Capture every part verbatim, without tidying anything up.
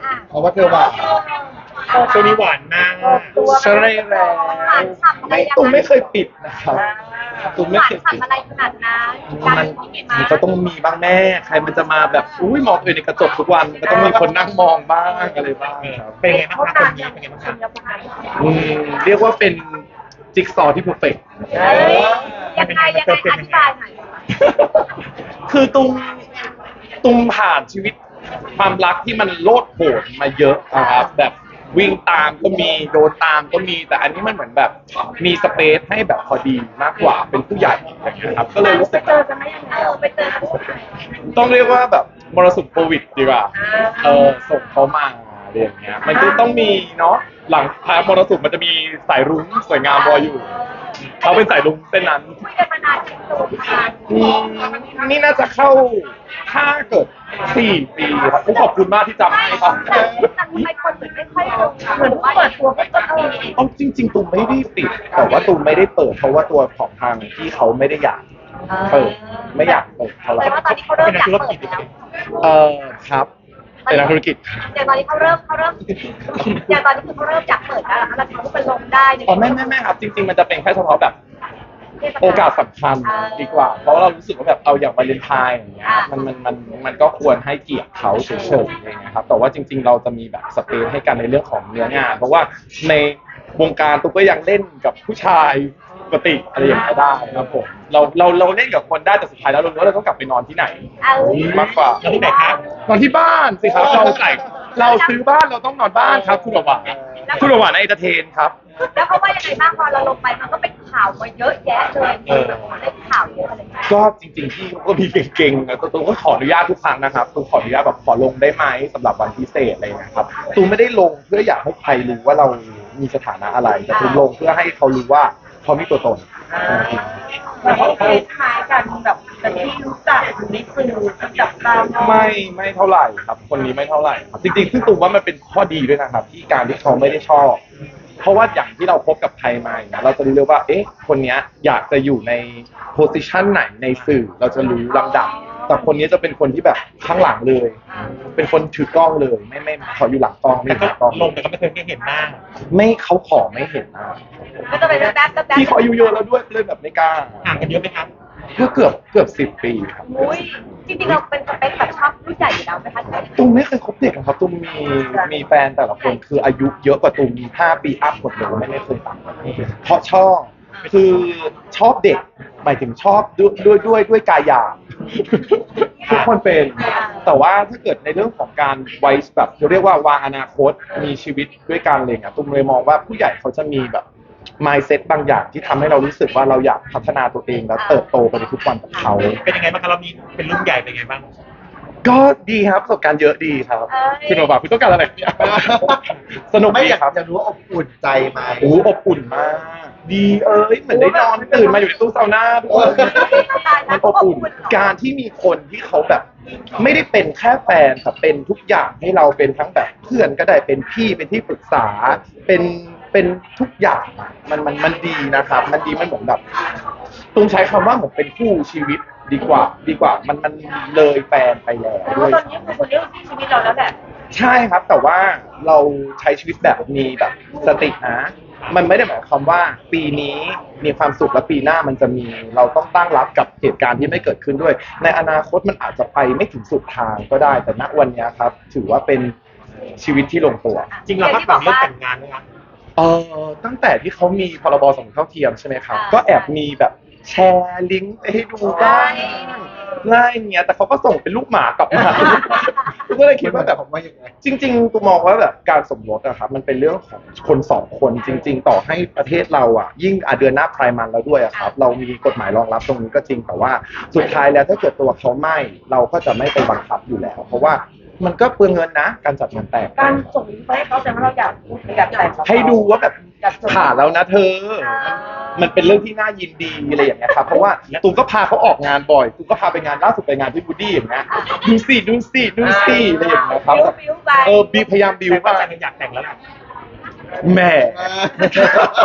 เพราะว่าเธอหวานช่วงนี้หวานมากใช่แล้วไม่ตุ้มไม่เคยปิดนะครับตุ้มไม่เคยปิดอะไรขนาดนั้นมันมันก็ต้องมีบ้างแม่ใครมันจะมาแบบอุ้ยมองตัวเองในกระจกทุกวันก็ต้องมีคนนั่งมองบ้างอะไรบ้างครับเป็นไงบ้างครับคนนี้เป็นไงบ้างครับอืมเรียกว่าเป็นจิ๊กซอว์ที่เพอร์เฟกต์ยังไงยังไงอธิบายหน่อยคือตุ้มตุ้มผ่านชีวิตความรักที่มันโลดโผนมาเยอะนะครับแบบวิ่งตามก็มีโดนตามก็มีแต่อันนี้มันเหมือนแบบมีสเปซให้แบบพอดีมากกว่าเป็นผู้ใหญ่อย่างเงี้ยครับก็เลยรู้สึกเจอกันไม่ยังไงไปเจอกันต้องเรียกว่าแบบมรสุมโควิดดีกว่าเออส่งเขามาอะไรอย่างเงี้ยมันก็ต้องมีเนาะหลังพามรสุมมันจะมีสายรุ้งสวยงามรออยู่เขาเป็นสายรุ้งเส้นนั้นคุยกันมานานกี่ปีนี่น่าจะเข้าถ้าเกิดสี่ปีครับขอบคุณมากที่จำให้ครับแต่ทำไมคนเหมือนไม่ค่อยรู้เหมือนว่าเปิดตัวก็จะเออเอาจริงๆตูมไม่ได้ปิดแต่ว่าตูมไม่ได้เปิดเพราะว่าตัวของทางที่เขาไม่ได้อยากเปิดไม่อยากเปิดเท่าไหร่แต่ว่าตอนนี้เขาเริ่มอยากเปิดแล้วเออครับเป็นนักธุรกิจอย่างตอนนี้เขาเริ่มเขาเริ่มอย่างตอนนี้คือเขาเริ่มอยากเปิดแล้วแล้วเขาก็ไปลงได้อ๋อไม่ไม่ไม่ครับจริงๆมันจะเป็นแค่เฉพาะแบบโอกาสสำคัญดีกว่าเพราะเรารู้สึกว่าแบบเอาอย่างวาเลนไทน์อย่างเงี้ยมันมันมันมันก็ควรให้เกียรติเขาเฉยๆอย่างเงี้ยครับแต่ว่าจริงๆเราจะมีแบบสเปซให้กันในเรื่องของเนื้องานเพราะว่าในวงการตุ๊กก็ยังเล่นกับผู้ชายปกติอะไรอย่างเงี้ยได้ครับผมเราเราเราเล่นกับคนได้แต่สุดท้ายแล้วเรารู้ว่าเราต้องกลับไปนอนที่ไหนมากกว่านอนที่ไหนครับนอนที่บ้านสิครับเราใส่เราซื้อบ้านเราต้องนอนบ้านครับคุณหวานคุณหวานในเอนเตอร์เทนครับแล้วเขาว่ายังไงบ้างพอเราลงไปมันก็เป็นข่าวมาเยอะแยะเลยเล่นข่าวเยอะอะไรอย่างเงี้ยก็จริงๆพี่ก็มีเก่งๆนะตูก็ขออนุญาตทุกครั้งนะครับตูขออนุญาตแบบขอลงได้ไหมสำหรับวันพิเศษอะไรนะครับตูไม่ได้ลงเพื่ออยากให้ใครรู้ว่าเรามีสถานะอะไรแต่ตูลงเพื่อให้เขารู้ว่าเขามีตัวตนแล้วเขาคล้ายกันแบบแต่ที่รู้จักอยู่ในสื่อจับตามไม่ไม่เท่าไหร่ครับคนนี้ไม่เท่าไหร่ครับจริงๆซึ่งตูว่ามันเป็นข้อดีด้วยนะครับที่การที่เขาไม่ได้ชอบเพราะว่าอย่างที่เราพบกับใครมาอย่างเงี้ยเราจะรู้เลยว่าเอ๊ะคนนี้อยากจะอยู่ในโพสิชันไหนในสื่อเราจะรู้ลำดับแต่คนนี้จะเป็นคนที่แบบข้างหลังเลยเป็นคนถือกล้องเลยไม่ไม่ขออยู่หลังกล้องไม่ถือกล้องลงแต่ก็ไม่เคยเห็นหน้าไม่เขาขอไม่เห็นหน้าก็จะเป็นแป๊บแป๊บพี่เขาอายุเยอะแล้วด้วยเลยแบบไม่กล้าห่างกันเยอะไหมครับก็เกือบเกือบสิบปีครับอุ้ยจริงๆเราเป็นสเปคแบบชอบผู้ใหญ่อยู่แล้วไหมคะตุ้มไม่เคยคบเด็กครับตุ้มมีมีแฟนแต่ละคนคืออายุเยอะกว่าตุ้มห้าปีอัพหมดเลยไม่ไม่เคยต่างกันเพราะชอบคือชอบเด็กหมายถึงชอบด้วยด้วยด้วยด้วยกายหยาบทุกคนเป็นแต่ว่าถ้าเกิดในเรื่องของการไว้แบบเรียกว่าวางอนาคตมีชีวิตด้วยกันอะไรเงี้ยตุ้มเลยมองว่าผู้ใหญ่เขาจะมีแบบmindset บางอย่างที่ทำให้เรารู้สึกว่าเราอยากพัฒนาตัวเองและเติบโตไปในทุกวันกับเขาเป็นยังไงบ้างครับเรามีเป็นรุ่นใหญ่เป็นยังไงบ้างก็ดีครับประสบการณ์เยอะดีครับคุณบอกว่าคุณต้องการอะไรสนุกไหมครับอยากรู้ว่าอบอุ่นใจไหมโอ้อบอุ่นมากดีเอ้ยเหมือนได้นอนตื่นมาอยู่ในตู้ซาวน่าทุกคนมันอบอุ่นการที่มีคนที่เขาแบบไม่ได้เป็นแค่แฟนแต่เป็นทุกอย่างให้เราเป็นทั้งแบบเพื่อนก็ได้เป็นพี่เป็นที่ปรึกษาเป็นเป็นทุกอย่างมันมันมันดีนะครับมันดีมันเหมือนแบบตุ้มใช้คำว่าเหมือนเป็นคู่ชีวิตดีกว่าดีกว่ามันมันเลยแฟนไปแล้วด้วยตอนนี้คือคนเลือกชีวิตเราแล้วแหละใช่ครับแต่ว่าเราใช้ชีวิตแบบมีแบบสตินะมันไม่ได้หมายความว่าปีนี้มีความสุขและปีหน้ามันจะมีเราต้องตั้งรับกับเหตุการณ์ที่ไม่เกิดขึ้นด้วยในอนาคตมันอาจจะไปไม่ถึงสุดทางก็ได้แต่ณวันนี้ครับถือว่าเป็นชีวิตที่ลงตัวจริงเราพักหลังเรื่องแต่งงานไหมครับเออตั้งแต่ที่เขามีพรบสมรสเท่าเทียมใช่ไหมครับก็แอบมีแบบแชร์ลิงก์ให้ดูบ้างง่ายเงี้ยแต่เขาก็ส่งเป็นลูกหมากลับมาก็เลยคิดว่าแบบว่ายังไงจริงๆกูมองว่าแบบการสมรสอะครับมันเป็นเรื่องของคนสองคนจริงๆต่อให้ประเทศเราอะยิ่งเดือนหน้าไพร์มันแล้วด้วยอะครับเรามีกฎหมายรองรับตรงนี้ก็จริงแต่ว่าสุดท้ายแล้วถ้าเกิดตัวเขาไม่เราก็จะไม่ไปบังคับอยู่แล้วเพราะว่ามันก็เปลืองเงินนะการจัดงานแต่งการส่งไปให้เขาแต่ว่าเราอยากอยากแต่งให้ดูว่าแบบผ่านแล้วนะเธอมันเป็นเรื่องที่น่ายินดีอะไรอย่างเงี้ยครับเพราะว่าตูก็พาเขาออกงานบ่อยตูก็พาไปงานล่าสุดไปงานที่บูดี้อย่างเงี้ยดูสิดูสิดูสิอะไรอย่างเงี้ยครับเออบีพยายามบิวว่าอยากแต่งแล้วแม่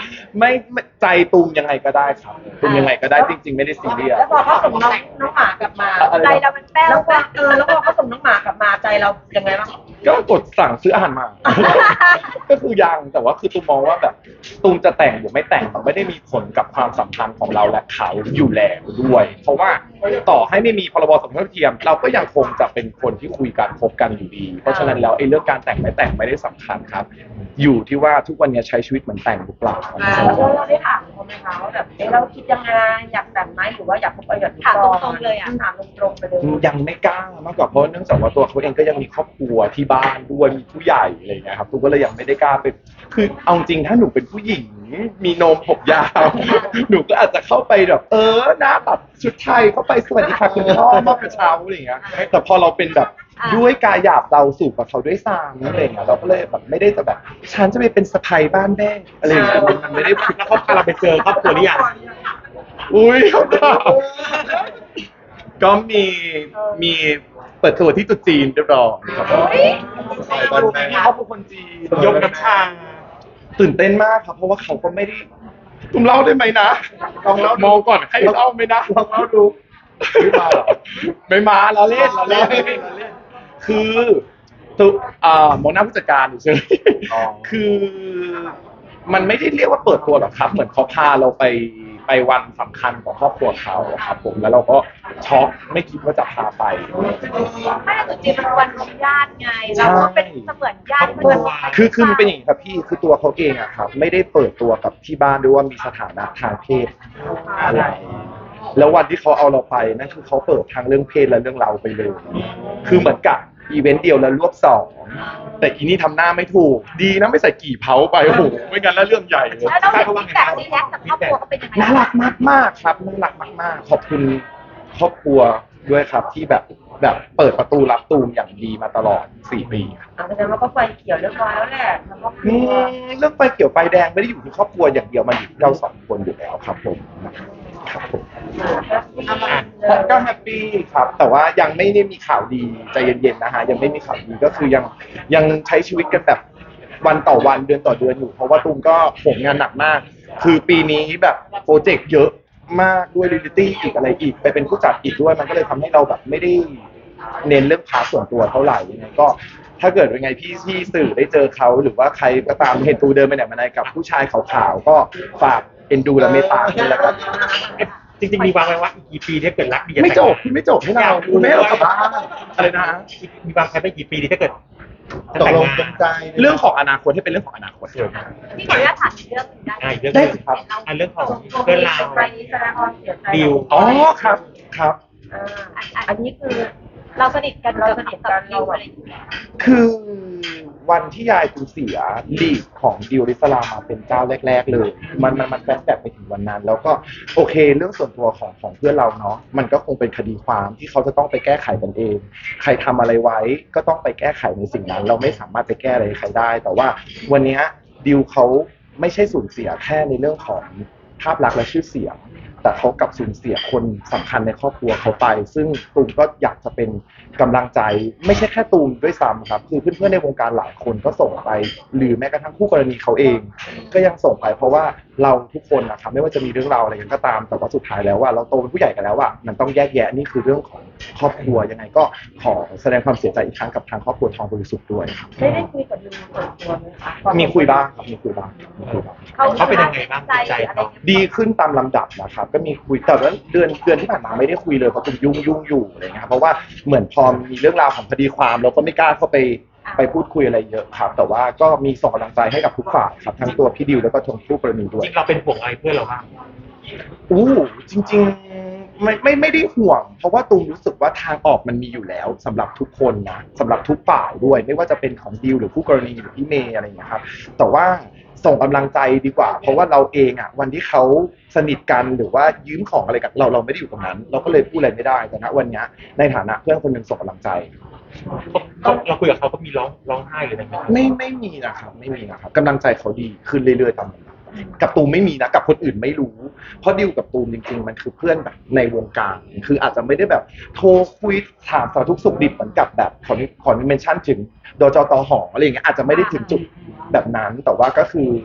ไม่ไม่ใจตูมยังไงก็ได้ครับตูมยังไงก็ได้จริง ๆ ไม่ได้ซีเรียสแล้วพอเขาส่งน้องน้องหมากลับมาอะไรนะใจเรามันแป้วแป้วเออแล้วพอเขาส่งน้องหมากลับมาใจเรายังไงบ้างก็กดสั่งซื้ออาหารมา ก็คือยังแต่ว่าคือตูมมองว่าแบบตูมจะแต่งหรือไม่แต่งมันไม่ได้มีผลกับความสัมพันธ์ของเราและเขาอยู่แล้วด้วย เพราะว่าต่อให้ไม่มีพรบสมรสเท่าเทียม เราก็ยังคงจะเป็นคนที่คุยกันคบกันอยู่ดี เพราะฉะนั้นแล้วไอ้เรื่องการแต่งไม่แต่งไม่ได้สำคัญครับ อยู่ที่ว่าทุกวันนี้ใช้ชีวิตเหมือนแต่งหรือเปล่าอ่าแล้วเราได้ถามเขาไหมคะว่าแบบเอ๊ะเราคิดยังไงอยากแต่งไหมหรือว่าอยากคบกันแบบนี้ถามตรงๆเลยอะถามตรงๆไปเลยยังไม่กล้ามากกว่าเพราะเนื่องจากว่าตัวเขาเองก็ยังมีครอบครัวที่บ้านด้วยมีผู้ใหญ่อะไรอย่างเงี้ยครับตูก็เลยยังไม่ได้กล้าไปคือเอาจริงถ้าหนูเป็นผู้หญิงมีนมผมยาว หนูก็อาจจะเข้าไปแบบเออหน้าตัดชุดไทยเข้าไปสวัสดีค่ะคุณพ่อมอบกระเช้าอะไรอย่างเงี้ยแต่พอเราเป็นแบบด้วยกายหยาบเราสู่กับเขาด้วยซ้ำอะไรอย่างเงี้ยเราก็เลยแบบไม่ได้จะแบบฉันจะไปเป็นสะใภ้บ้านแม่อะไรอย่างเงี้ยมันไม่ได้แล้วเขาพาเราไปเจอครอบครัวหรือยังอุ้ยเขาถามก็มีมีเปิดตัวที่ตุ๊จีนเรียบร้อยครับไปบ้านแม่เขาเป็นคนจีนยกน้ำชาตื่นเต้นมากครับ เพราะว่าเขาก็ไม่ได้ตุ้มเล่าได้ไหมนะลองเล่าดูมองก่อนให้เล่าไหมนะลองเล่าดูไม่มาหรอไม่มาเราเล่นเราเล่นเราเล่นเราเล่นคือตัวอ่ามองหน้าผู้จัดการอยู่ใช่ไหมอ๋อคือมันไม่ได้เรียกว่าเปิดตัวหรอกครับ เหมือนเขาพาเราไปไปวันสำคัญของครอบครัวเขาครับผมแล้วเราก็ช็อกไม่คิดว่าจะพาไปไม่แต่จริงๆเป็นวันของญาติไงเราก็เป็นเสมือนญาติเพื่อนคือคือมันเป็นอย่างนี้ครับพี่คือตัวเขาเองอะครับ ไม่ได้เปิดตัวกับที่บ้านด้วยว่ามีสถานะทางเพศอะไร แล้ววันที่เขาเอาเราไปนั่นคือเขาเปิดทางเรื่องเพศและเรื่องเราไปเลย คือเหมือนกับอีเวนต์เดียวแล้วรวบสองแต่อีนี่ทำหน้าไม่ถูก ดีนะไม่ใส่กี่เผาไปโอ้โหไม่งั้นแล้วเรื่องใหญ่เลยแล้วเราฟีดแบ็กรีแอคกับครอบครัวเขาเป็นยังไงน่ารักมากๆครับน่ารักมากๆ ขอบคุณครอบครัวด้วยครับที่แบบแบบเปิดประตูรับตูมอย่างดีมาตลอดสี่ปีครับอ่าแสดงว่าก็ไฟเขียวเรียบร้อยแล้วแหละแล้วก็อืมเรื่องไฟเขียวไฟแดงไม่ได้อยู่ที่ครอบครัวอย่างเดียวมันอยู่ที่เราสองคนอยู่แล้วครับผมครับผม ก็แฮปปี้ครับ แต่ว่ายังไม่ได้มีข่าวดีใจเย็นๆนะฮะยังไม่มีข่าวดีก็คือยังยังใช้ชีวิตกันแบบวันต่อวันเดือนต่อเดือนอยู่ เพราะว่าตูมก็โหมงานหนักมาก คือปีนี้แบบโปรเจกต์เยอะมากด้วยเรียลลิตี้อีกอะไรอีกไปเป็นผู้จัดอีกด้วยมันก็เลยทำให้เราแบบไม่ได้เน้นเรื่องพาร์ทส่วนตัวเท่าไหร่ยังไงก็ถ้าเกิดเป็นไงพี่ที่สื่อได้เจอเขาหรือว่าใครก็ตามเห็นตูเดินไปไหนมาไหนกับผู้ชายขาวๆก็ฝากเอ็นดูและเมตตาด้วยแล้วกันจริงๆมีวางไว้ว่าอีกกี่ปีถ้าเกิดรักดีจะไม่จบพี่ไม่จบให้เราคุณไม่ให้เรากลับบ้านอะไรนะมีวางแผนไปกี่ปีดีถ้าเกิดตกลงตรงใจเรื่องของอนาคตให้เป็นเรื่องของอนาคตที่ขออนุญาตถามเรื่องหนึ่งได้อ่าอีกเรื่องได้สิครับอ่าเรื่องของเพื่อนเราไปแสดงความเสียใจดิวอ๋อครับครับอ่าอันอันอันนี้คือเราสนิทกันเราสนิทกันเราอะไรอย่างเงี้ยคือวันที่ยายคุณเสียลีดของดิวริสลามาเป็นเจ้าแรก ๆ เลย มันมันมันแฟลชแบ็กไปถึงวันนั้น แล้วก็โอเคเรื่องส่วนตัวของของเพื่อนเราเนาะมันก็คงเป็นคดีความที่เขาจะต้องไปแก้ไขกันเอง ใครทำอะไรไว้ก็ต้องไปแก้ไขในสิ่งนั้น เราไม่สามารถไปแก้อะไรใครได้ แต่ว่าวันเนี้ยดิวเขาไม่ใช่สูญเสียแค่ในเรื่องของภาพลักษณ์และชื่อเสียง แต่เขากลับสูญเสียคนสำคัญในครอบครัวเขาไป ซึ่งตูมก็อยากจะเป็นกำลังใจ ไม่ใช่แค่ตูมด้วยซ้ำครับคือเพื่อนๆในวงการหลายคนก็ส่งไป หรือแม้กระทั่งคู่กรณีเขาเอง ก็ยังส่งไปเพราะว่าเราทุกคนนะครับไม่ว่าจะมีเรื่องราวอะไรกันก็ตาม แต่ว่าสุดท้ายแล้วว่าเราโตเป็นผู้ใหญ่กันแล้วว่ามันต้องแยกแยะนี่คือเรื่องของครอบครัวยังไงก็ขอแสดงความเสียใจอีกครั้งกับทางครอบครัวทองบริสุทธิ์ด้วยครับได้ได้คุยกับดิวส่วนตัวไหมคะมีคุยบ้างครับมีคุยบ้างมีคุยบ้างเขาเป็นยังไงบ้างจิตใจเขาดีขึ้นตามลำดับนะครับก็มีคุยแต่ว่าเดือนเดือนที่ผ่านมาไม่ได้คุยเลยเพราะผมยุ่งยุ่งอยู่อะไรเงี้ยครับเพราะว่าเหมือนพอมีเรื่องราวของคดีความเราก็ไม่กล้าเข้าไปไปพูดคุยอะไรเยอะครับแต่ว่าก็มีส่งกำลังใจให้กับทุกฝ่ายครับทั้งตัวพี่ดิวแล้วก็ทางคู่กรณีด้วจยริงเราเป็นห่วงอะไรเพื่อนเราบ้างอู้จริงๆไม่ไม่ไม่ได้ห่วง เพราะว่าตูมรู้สึกว่าทางออกมันมีอยู่แล้วสำหรับทุกคนนะสำหรับทุกฝ่ายด้วย ไม่ว่าจะเป็นของดิวหรือคู่กรณีหรือพี่เมย์อะไรอย่างเงี้ยครับแต่ว่าส่งกำลังใจดีกว่า เพราะว่าเราเองอ่ะวันที่เขาสนิทกันหรือว่ายืมของอะไรกับเราเราไม่ได้อยู่ตรงนั้น เราก็เลยพูดอะไรไม่ได้แต่ณวันเนี้ยในฐานะเพื่อนคนหนึ่งส่งกำลังใจเขาเราคุยกับเขาก็มีร้องร้องไห้เลยไหมครับไม่ไม่มีนะครับไม่มีนะครับกำลังใจเขาดีขึ้นเรื่อยๆตามลำดับกับตูมไม่มีนะกับคนอื่นไม่รู้ เพราะดิวกับตูมจริงๆมันคือเพื่อนแบบในวงการคืออาจจะไม่ได้แบบโทรคุยถามสารทุกข์สุขดิบเหมือนกับแบบขอขอเมนชั่นถึงดจตหออะไรอย่างเงี้ยอาจจะไม่ได้ถึงจุดแบบนั้นแต่ว่าก็คือ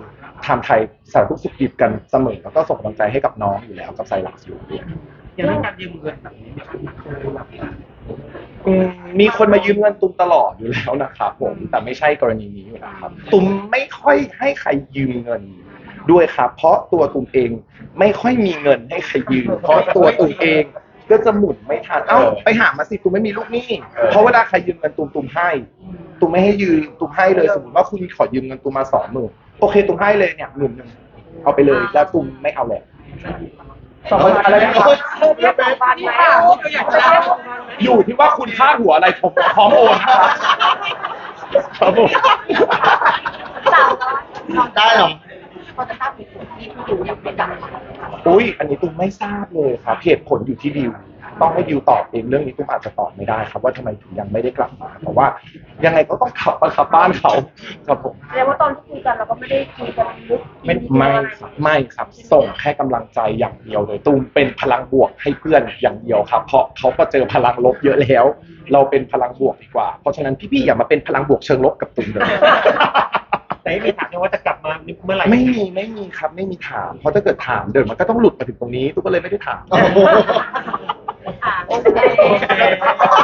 ถามไทยสารทุกข์สุขดิบกันเสมอแล้วก็ส่งกำลังใจให้กับน้องอยู่แล้วกับไซรัสอยู่ด้วยอย่างเรื่องการยืมเงินแบบนี้เนี่ยอืมมีคนมายืมเงินตุ้มตลอดอยู่แล้วนะครับผมแต่ไม่ใช่กรณีนี้อยู่แล้วครับตุ้มไม่ค่อยให้ใครยืมเงินด้วยครับ เพราะตัวตุ้มเองไม่ค่อยมีเงินให้ใครยืมเพราะตัวตุ้มเองก็จะหมุนไม่ทันเอ้าไปหามาสิตุ้มไม่มีลูกหนี้เพราะเวลาใครยืมเงินตุ้มตุ้มให้ตุ้มไม่ให้ยืมตุ้มให้เลยสมมติว่าคุณขอยืมเงินตุ้มมาสองหมื่นโอเคตุ้มให้เลยเนี่ยหมื่นหนึ่งเอาไปเลยแล้วตุ้มไม่เอาแล้วสองพันอะไรนะครับเรียกสองพันไหมอยู่ที่ว่าคุณค่าหัวอะไรผมพร้อมโอนนะครับครับผมสาวน้อยได้เหรอเขาจะตั้งเป็นคนที่อยู่อย่างเป็นดังอุ้ยอันนี้ตุ้มไม่ทราบเลยครับเหตุผลอยู่ที่ดิวต้องให้ดิวตอบเองเรื่องนี้ตุ้มอาจจะตอบไม่ได้ครับว่าทำไมถึงยังไม่ได้กลับมาแต่ว่ายังไงก็ต้องขับมาขับบ้านเขาครับผมแสดงว่าตอนที่คุยกันเราก็ไม่ได้คุยกันลึกไม่ไม่ครับไม่ครับส่งแค่กำลังใจอย่างเดียวเลยตุ้มเป็นพลังบวกให้เพื่อนอย่างเดียวครับเพราะเขาก็เจอพลังลบเยอะแล้ว เราเป็นพลังบวกดีกว่าเพราะฉะนั้นพี่ๆอย่ามาเป็นพลังบวกเชิงลบกับตุ้มเลยแต่ไม่มีถามเลยว่าจะกลับมาเมื่อไหร่ไม่มีไม่มีครับไม่มีถามเพราะถ้าเกิดถามเดี๋ยวมันก็ต้องหลุดมาถึงตรงนี้ตุ้มก็เลยไม่ได้ถามโอ้โหอ่าโอเค